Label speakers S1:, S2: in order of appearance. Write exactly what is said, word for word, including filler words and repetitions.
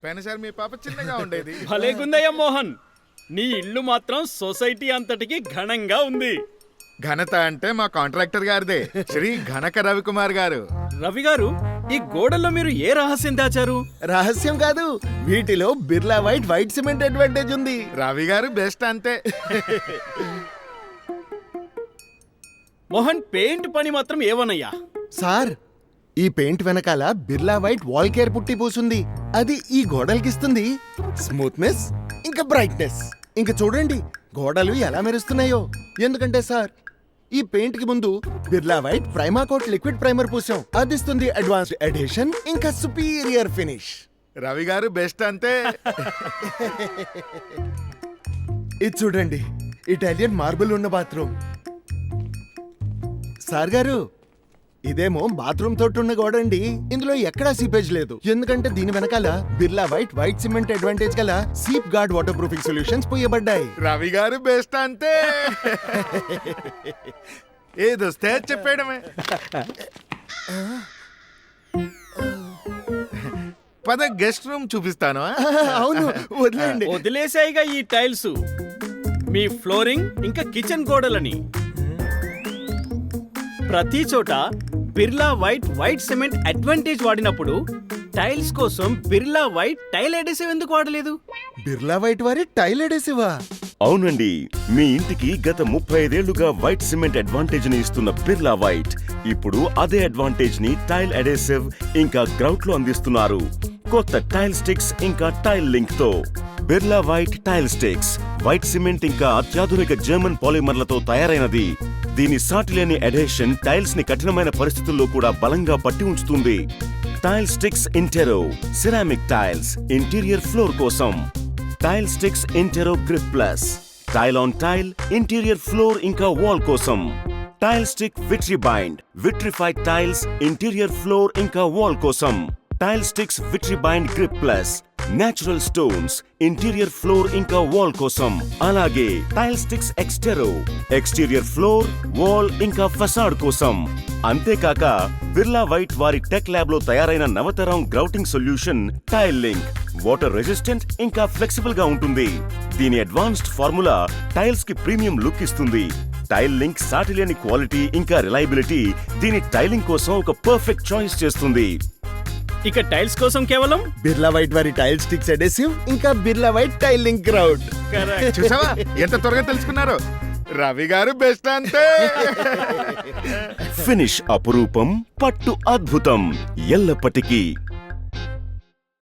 S1: పెనసారి మీ పాప చిన్నగా ఉండేది.
S2: భలేగుందయ్య మోహన్, నీ ఇల్లు మాత్రం సొసైటీ అంతటికి ఘనంగా ఉంది.
S1: ఘనత అంటే మా కాంట్రాక్టర్ గారిదే, శ్రీ ఘనక రవికుమార్ గారు.
S2: రవి గారు, ఈ గోడల్లో మీరు ఏ రహస్యం దాచారు?
S3: రహస్యం కాదు, వీటిలో Birla white white cement advantage ఉంది.
S1: రవి గారు బెస్ట్ అంతే.
S2: మోహన్, పెయింట్ పని మాత్రం ఏవనయ్యా?
S3: సార్, ఈ పెయింట్ వెనకాల బిర్లా వైట్ వాల్ కేర్ పుట్టి పూసుంది. అది ఈ గోడలకిస్తుంది స్మూత్నెస్ ఇంకా బ్రైట్నెస్. ఇంకా చూడండి గోడలు ఎలా మెరుస్తున్నాయో. ఎందుకంటే సార్, ఈ పెయింట్ కి ముందు Birla white primacoat liquid primer పూసాం. అదిస్తుంది అడ్వాన్స్డ్ అడిషన్ ఇంకా superior finish.
S1: Ravi garu best అంతే.
S3: ఇది చూడండి, ఇటాలియన్ మార్బుల్ ఉన్న బాత్రూమ్. సార్ గారు, ఇదేమో బాత్రూమ్ తోటి ఉన్న గోడ అండి. ఇందులో ఎక్కడా సీపేజ్ లేదు, ఎందుకంటే దీని వెనకాల Birla white white cement advantage గల seep guard water proofing solutions పోయబడ్డాయి.
S1: రవి గారు బెస్ట్ అంతే. ఏదొస్తే చెప్పేయడమే. పద గెస్ట్ రూమ్ చూపిస్తాను.
S3: అవును, వదిలేండి.
S2: వదిలేసాయిగా ఈ టైల్స్, మీ ఫ్లోరింగ్ ఇంకా కిచెన్ గోడలని. ప్రతి చోట Birla white white cement advantage వాడినప్పుడు టైల్స్ కోసం బిర్లా వైట్ టైల్ అడెసివ్ ఎందుకు వాడలేదు?
S3: బిర్లా వైట్ వారి టైల్ అడెసివా?
S4: అవునండి, మీ ఇంటికి గత ముప్పై ఐదేళ్లుగా వైట్ సిమెంట్ అడ్వాంటేజ్ ని ఇస్తున్న బిర్లా వైట్ ఇప్పుడు అదే అడ్వాంటేజ్ ని టైల్ అడెసివ్ ఇంకా గ్రౌట్ లో అందిస్తున్నారు. కొత్త టైల్ స్టిక్స్ ఇంకా టైల్ లింక్ తో Birla white tile stix white cement ఇంకా అత్యాధునిక జర్మన్ పాలిమర్లతో తయారైనది. దీని సాటిలేని అడెషన్ టైల్స్ ని కఠినమైన పరిస్థితుల్లో కూడా బలంగా పట్టి ఉంచుతుంది. Tile stix intero ceramic tiles interior floor కోసం. Tile stix intero grip plus tile on tile interior floor ఇంకా వాల్ కోసం. Tile stix vitri bind vitrified tiles interior floor ఇంకా వాల్ కోసం. Tile stix vitri bind grip plus natural stones interior floor ఇంకా wall కోసం. అలాగే tile stix extero exterior floor wall ఇంకా facade కోసం. అంతేకాక బిర్లా వైట్ వారి టెక్ ల్యాబ్ లో తయారైన నవతరం grouting solution tile link water resistant ఇంకా ఫ్లెక్సిబుల్ గా ఉంటుంది. దీని అడ్వాన్స్డ్ ఫార్ములా టైల్స్ కి ప్రీమియం లుక్ ఇస్తుంది. టైల్ లింక్ సాటిలేని క్వాలిటీ ఇంకా రిలయబిలిటీ దీని టైలింగ్ కోసం ఒక పర్ఫెక్ట్ చాయిస్ చేస్తుంది.
S2: ఇక టైల్స్ కోసం కేవలం
S3: బిర్లా వైట్ వారి టైల్ స్టిక్స్ అడెసివ్ ఇంకా Birla white tile link grout.
S1: చూసావా ఎంత త్వరగా తెలుసుకున్నారు. రవి గారు బెస్ట్ అంతే.
S4: ఫినిష్ అపురూపం, పట్టు అద్భుతం, ఎల్లప్పటికీ